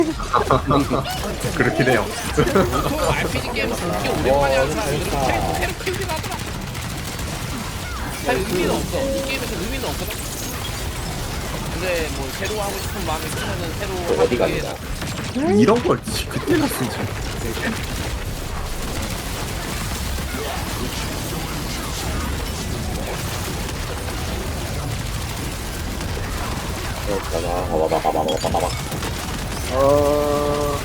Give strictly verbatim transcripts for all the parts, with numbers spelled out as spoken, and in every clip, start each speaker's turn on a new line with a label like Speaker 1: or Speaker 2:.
Speaker 1: 그렇긴 해요.
Speaker 2: 보통 알피지 게임에서 그렇게 오랜만에 하는 사람들은 캐릭터 새로 키우긴 하더라. 사실 의미는 없어. 이 게임에서 의미는 없거든. 근데 뭐 새로 하고 싶은 마음이 크면은 새로
Speaker 3: 어디
Speaker 2: 하기 위해서.
Speaker 3: 갑니다.
Speaker 1: 이런 걸 그때 갔으면 참.
Speaker 3: 바바바바바바바바바.
Speaker 4: 어...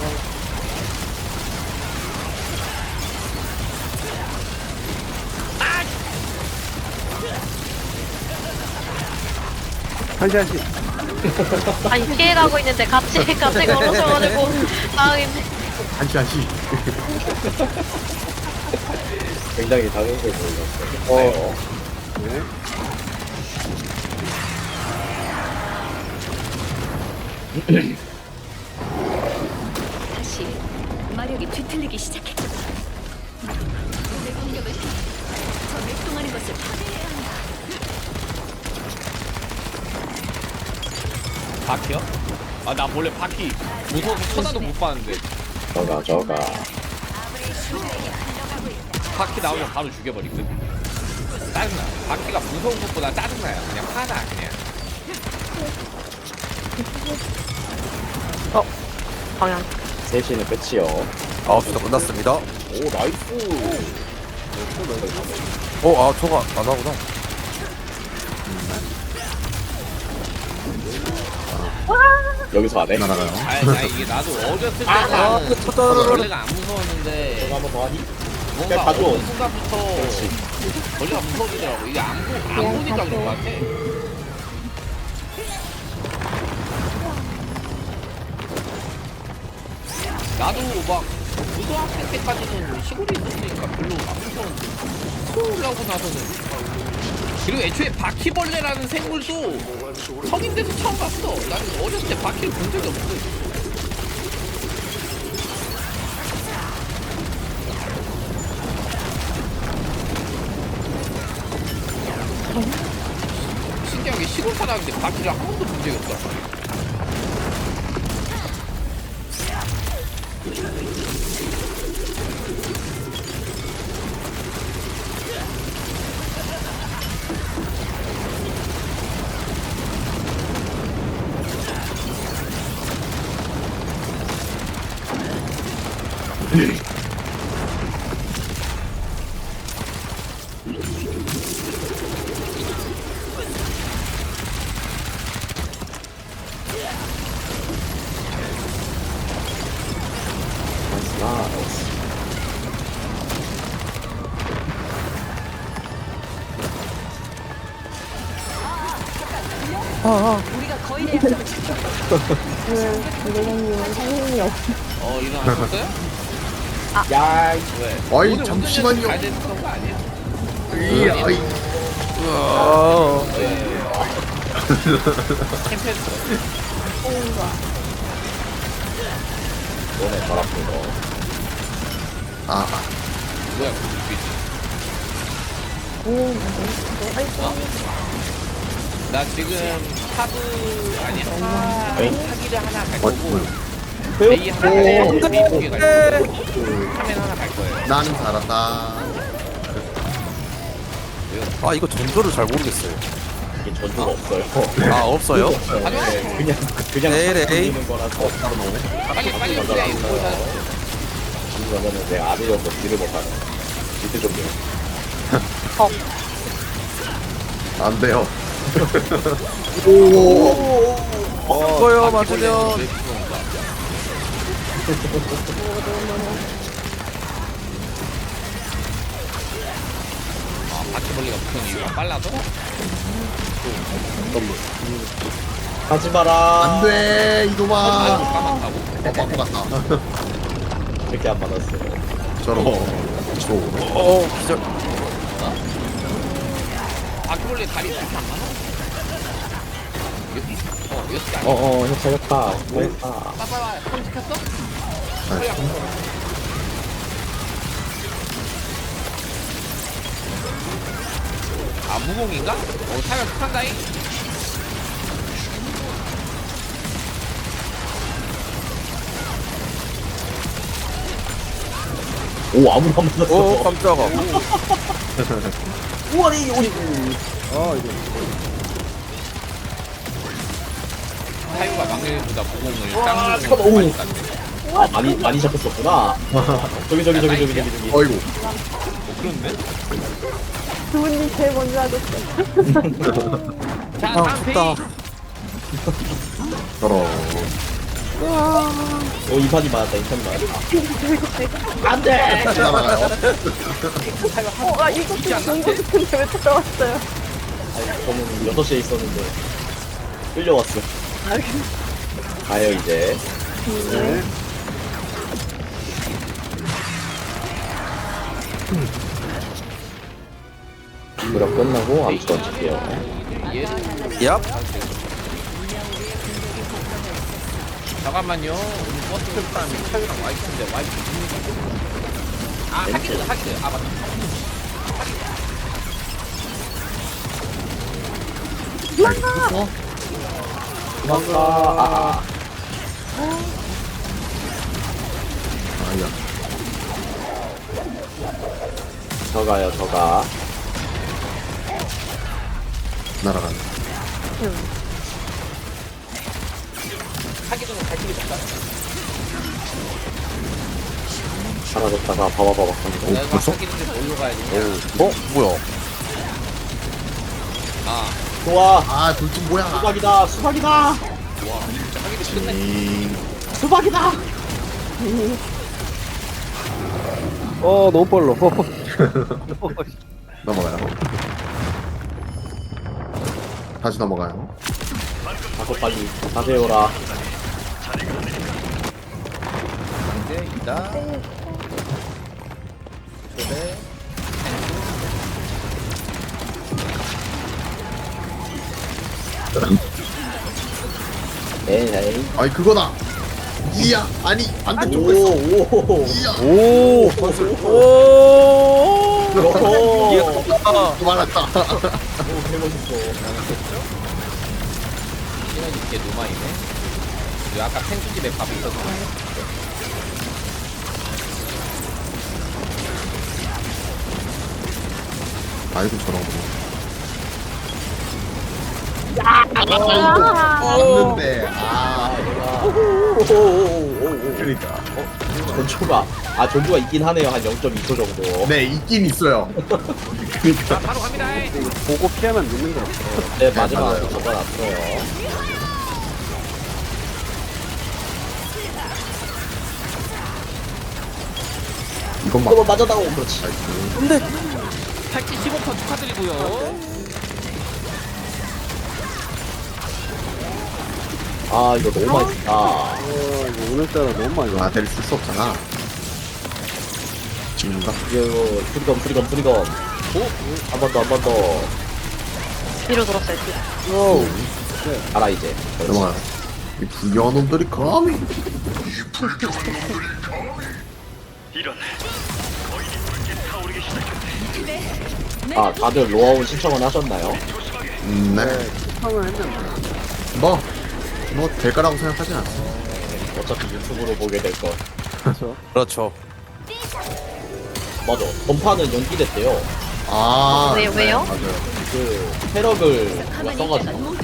Speaker 4: 한시 한시.
Speaker 5: 아니 피해가고 있는데 같이 같이 걸어서가지고 당황했네.
Speaker 1: 한시 한시.
Speaker 3: 굉장히 당연해 보였어요. 어.
Speaker 4: 네.
Speaker 6: 다시 마력이 뒤틀리기 시작했다. 내 공격을 저 맥동하는 것을 파괴해야 한다.
Speaker 2: 바퀴요? 아 나 원래 바퀴 무서워서 쳐다도 못 봤는데
Speaker 3: 저가 저가.
Speaker 2: 바퀴 나오면 바로 죽여버리거든. 짜증나. 바퀴가 무서운 것보다 짜증나요. 그냥 화나 그냥.
Speaker 5: 어 방향.
Speaker 3: 셋시는 끝이요.
Speaker 4: 아홉 시도 끝났습니다.
Speaker 3: 오 나이스.
Speaker 4: 어, 아, 저거 안 하구나.
Speaker 3: 여기서 안 해?
Speaker 1: 날아가요.
Speaker 2: 아니 나 이게 나도 어렸을 때는
Speaker 4: 아,
Speaker 2: 벌레가 안 무서웠는데
Speaker 3: 저거 한번 더 하니?
Speaker 2: 뭔가
Speaker 3: 가져.
Speaker 2: 어느 순간부터 벌레가 무서워지더라고. 이게 안, 보, 안 보니까 그런 것 같아. 나도 막 고등학생 때까지는 시골에 있었으니까 별로 안 무서웠는데 서울하고 나서는 그리고 애초에 바퀴벌레라는 생물도 성인 돼서 처음 봤어. 나는 어렸을 때 바퀴를 본 적이 없어. 신기하게 시골 사람인데 바퀴를 한 번도 본 적이 없다.
Speaker 3: 나이스.
Speaker 6: 우리가 거의 대학생을
Speaker 2: 어 일어나셨어요?
Speaker 3: 야,
Speaker 2: 왜?
Speaker 1: 어이,
Speaker 2: 오늘
Speaker 1: 잠시만요.
Speaker 2: 잘 됐던 거 아니야?
Speaker 1: 이 아이.
Speaker 4: 아,
Speaker 2: 캠페인
Speaker 3: 너네 잘 아픈 거.
Speaker 1: 아,
Speaker 2: 뭐야 그 눈빛. 어? 나 지금 하브 아니 하
Speaker 3: 에이?
Speaker 2: 하기를 하나 갈
Speaker 1: 어,
Speaker 2: 거고
Speaker 1: 뭐야.
Speaker 2: 메이 하나 갈 거고 메이 두개 갈 거고 카멘 하나 갈 거예요.
Speaker 1: 나는 살았다.
Speaker 4: 아, 이거 전조를 잘 모르겠어요.
Speaker 3: 이게 전투가 없어요.
Speaker 4: 아, 없어요?
Speaker 3: 네, 그냥 그냥
Speaker 4: 네, 네.
Speaker 3: 는 거라서
Speaker 2: 빨리 빨리 그래 이거 뭐 다
Speaker 3: 그러면은 내가 안 해줘서 딜을 못하네. 밑에 좀 내.
Speaker 1: 안 돼요.
Speaker 4: 이거요, 맞으면.
Speaker 2: 아 바퀴벌레가 붙은 이유가 빨라서?
Speaker 3: 하지 마라.
Speaker 1: 안 돼,
Speaker 2: 아
Speaker 1: 이놈아.
Speaker 2: 까맣다고?
Speaker 1: 어, 바보 같다.
Speaker 3: 이렇게 안 받았어요.
Speaker 1: 저런. 저.
Speaker 4: 어, 기절.
Speaker 2: 바퀴벌레 다리 이렇게 안 많아? 여기 어 여기 아니야?
Speaker 3: 어어 형 잘했다. 잘했다.
Speaker 2: 빠빠빠 손 지켰어? 아 무공인가? 어 타면 북한다잉?
Speaker 3: 오 아무도 안 맞았어.
Speaker 4: 오 깜짝아.
Speaker 3: 우와리 우리.
Speaker 2: 타이거가 막내보다 구공을
Speaker 3: 와,
Speaker 2: 쌍둥이
Speaker 3: 잠깐만,
Speaker 2: 많이
Speaker 3: 오.
Speaker 2: 땄네.
Speaker 3: 아 많이 많이 잡혔었구나. 저기 저기 저기 저기 저기 저기.
Speaker 1: 어이구.
Speaker 2: 어, 그런데?
Speaker 7: 두분이 제일 먼저 하셨어.
Speaker 2: 자,
Speaker 4: 아
Speaker 2: 다음
Speaker 4: 좋다.
Speaker 2: 페이지.
Speaker 1: 저런.
Speaker 3: 오 이판이 맞았다 이판이 맞았다. 안돼.
Speaker 1: 다시 날아가요.
Speaker 7: 어, 아, 이거 좀 공부 싶은데 왜 찾아왔어요?
Speaker 3: 아니 저는 여섯 시에 있었는데 끌려왔어. 가요 이제. 무력 끝나고 암수 던질게요.
Speaker 2: 얘는
Speaker 4: 얍.
Speaker 2: 잠깐만요. 오늘 버스 출판 차유랑 와이프인데 와이프 아 하기드 하기드 아 맞다.
Speaker 3: 도망가. 아,
Speaker 1: 아니야.
Speaker 3: 저가요 저가.
Speaker 1: 날아가네.
Speaker 2: 하기드는 갈 길이 없다.
Speaker 3: 사라졌다가 바바바박 하는
Speaker 2: 내가
Speaker 1: 벌써?
Speaker 2: 하기드인데 뭘로 가야 되냐?
Speaker 4: 어 뭐야?
Speaker 2: 아,
Speaker 3: 좋아.
Speaker 1: 아, 둘중 뭐야?
Speaker 3: 수박이다 수박이다
Speaker 2: 와, 진짜 하기드 끝내.
Speaker 1: 음,
Speaker 3: 수박이다.
Speaker 4: 어 너무 빨라.
Speaker 1: 넘어가요. 다시 넘어가요.
Speaker 3: 가서 빨리 가세요라.
Speaker 2: 이제 이다. 그래.
Speaker 3: 에이.
Speaker 1: 아니, 그거다. 이야, 아니, 반대쪽
Speaker 3: 오
Speaker 1: 했어.
Speaker 3: 오.
Speaker 1: 이야.
Speaker 4: 오. 오.
Speaker 3: 오.
Speaker 4: 이게 컸다.
Speaker 1: 말았다.
Speaker 3: 오 개멋있어.
Speaker 2: 시간 있게 누마이네. 그 아까 펭수집에 밥이 있어서.
Speaker 1: 아이고, 저런 거.
Speaker 7: 아,
Speaker 1: 맞는데, 아,
Speaker 3: 오오오오오.
Speaker 1: 그러니까.
Speaker 3: 전초가 아 전주가 있긴 하네요. 한 영 점 이 초 정도.
Speaker 1: 네, 있긴 있어요.
Speaker 2: 자, 바로 갑니다.
Speaker 4: 보고 피하면 늦는 거.
Speaker 3: 네 마지막
Speaker 1: 맞아요.
Speaker 3: 적어놨어요.
Speaker 1: 이건 막.
Speaker 3: 한번 맞아다오. 그렇지.
Speaker 2: 탈지 십오 퍼센트 축하드리고요.
Speaker 3: 아 이거 너무 맛있다.
Speaker 4: 오늘따라 너무 많이
Speaker 1: 아, 대를 쓸 수 없잖아. 죽는다.
Speaker 3: 이거 프리검 프리검 프리검. 한 번 더 한 번 더.
Speaker 5: 뒤로 돌았어요, 뒤로.
Speaker 3: 알아 이제. 그렇지.
Speaker 1: 넘어가요. 이 불교한 놈들이 감히.
Speaker 3: 아 다들 로아온 신청은 하셨나요?
Speaker 1: 음, 네. 뭐, 뭐, 될 거라고 생각하진 않아.
Speaker 3: 어차피 유튜브로 보게 될 거.
Speaker 4: 그렇죠.
Speaker 3: 맞아. 전파는 연기됐대요.
Speaker 1: 아.
Speaker 5: 왜요, 왜요?
Speaker 1: 네, 맞아요.
Speaker 3: 그 패럭을 누가 써가지고.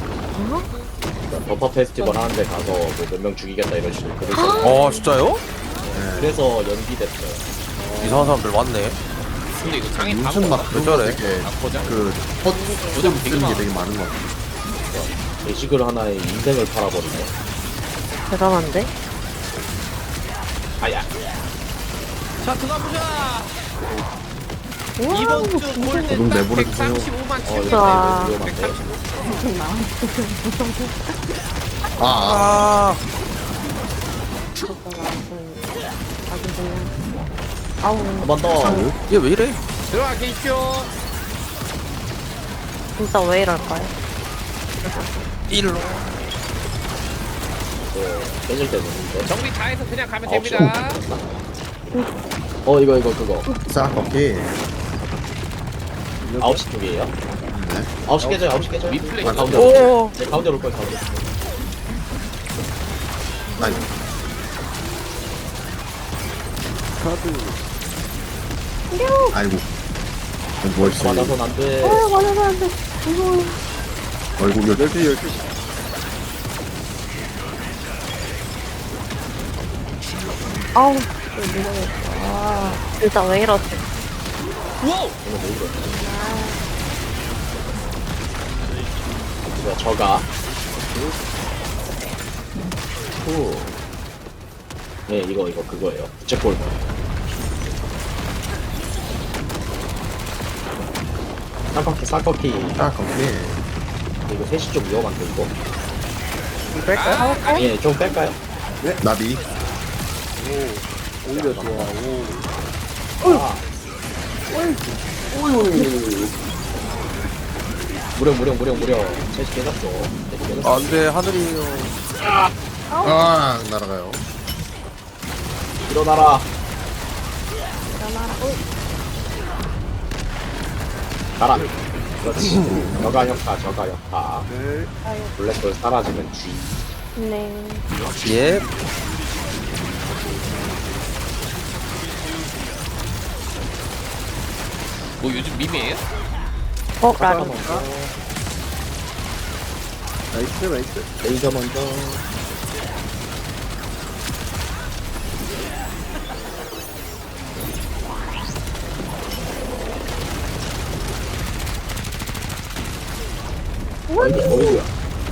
Speaker 3: 전파 페스티벌 하는데 가서 뭐 몇 명 죽이겠다 이런 식으로 글을 써.
Speaker 4: 어 진짜요?
Speaker 3: 그래서 연기됐어요.
Speaker 4: 이상한 사람들 많네.
Speaker 2: 근데 이거 장애
Speaker 1: 무슨 막 그런 거
Speaker 4: 저래?
Speaker 1: 되게
Speaker 2: 아, 거장?
Speaker 1: 그 헛,
Speaker 2: 고장
Speaker 1: 헛
Speaker 2: 되게
Speaker 1: 쓰는 게
Speaker 2: 많아.
Speaker 1: 되게 많은 것 같아.
Speaker 3: 게시글 하나에 인생을 팔아버리네.
Speaker 5: 대단한데?
Speaker 3: 아야.
Speaker 2: 자, 들어가보자. 이번 주 골든
Speaker 1: 저도
Speaker 2: 딱
Speaker 1: 내보내주세요.
Speaker 2: 백삼십오만
Speaker 3: 어,
Speaker 2: 칠
Speaker 3: 이거
Speaker 5: 와.
Speaker 3: 위험한데.
Speaker 1: 아, 아.
Speaker 4: 아.
Speaker 7: 아우,
Speaker 3: 한 번 더.
Speaker 4: 얘 왜 이래?
Speaker 2: 들어가 계십시오.
Speaker 5: 진짜 왜 이럴까요?
Speaker 4: 일로.
Speaker 3: 또 깨질 때 되는데.
Speaker 2: 정리 다 해서 그냥 가면
Speaker 3: 아홉
Speaker 2: 됩니다.
Speaker 3: 어 이거 이거 그거.
Speaker 1: 싹 오케이.
Speaker 3: 아홉 시 쪽이에요?
Speaker 1: 네.
Speaker 3: 아홉 시 깨져요. 아홉 시 깨져요.
Speaker 2: 리플레이.
Speaker 3: 아, 가운데로. 올게요.
Speaker 4: 오.
Speaker 3: 네 가운데로 올 거예요. 가운데.
Speaker 1: 아니, 아이고. 뭘 써?
Speaker 3: 맞아선 안 돼.
Speaker 7: 아 맞아서 안돼. 무서워.
Speaker 1: 아이고 열두 열두.
Speaker 7: 아우. 무서워. 아.
Speaker 5: 일단 왜 이러지?
Speaker 2: 우와!
Speaker 3: 이거 저가. 후. 네, 이거, 이거, 그거예요. 부채꼴. 쌍꺼키, 쌍꺼키.
Speaker 1: 아 거기.
Speaker 3: 이거 셋이 좀 위험한데, 이거.
Speaker 2: 뺄까요?
Speaker 3: 예, 좀 뺄까요?
Speaker 1: 나비.
Speaker 3: 오히려 좋아, 오. 아. 무려, 무려, 무려, 무려. 셋이 깨졌어. 셋이 깨졌어.
Speaker 4: 안돼 하늘이요.
Speaker 1: 아 날아가요.
Speaker 3: 일어나라. 가라. 그렇지. 저가 역파, 저가 역파. 블랙홀 사라지면 G.
Speaker 7: 네.
Speaker 4: 예.
Speaker 2: 뭐 요즘 밈이에요?
Speaker 5: 어, 라리.
Speaker 3: 나이스, 나이스. 레이저 먼저. 어이구, 어이구야.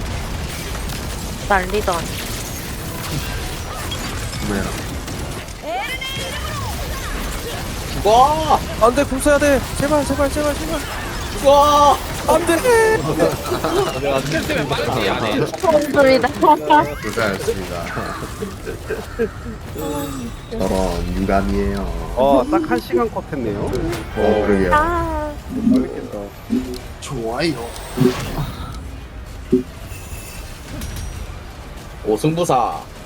Speaker 5: 난리도 아니.
Speaker 1: 뭐야?
Speaker 3: 죽어!
Speaker 4: 안돼 궁 써야 돼. 제발 제발 제발 제발.
Speaker 3: 죽어!
Speaker 4: 안돼.
Speaker 2: 스킬 때문에 빠르지 안해.
Speaker 5: 소리다.
Speaker 1: 고생하셨습니다. 저런 유감이에요.
Speaker 8: 어, 딱 한 시간 컷 했네요.
Speaker 1: 어 그러게요.
Speaker 5: 아,
Speaker 8: 재밌겠다.
Speaker 1: 좋아요.
Speaker 3: 오, 승부사.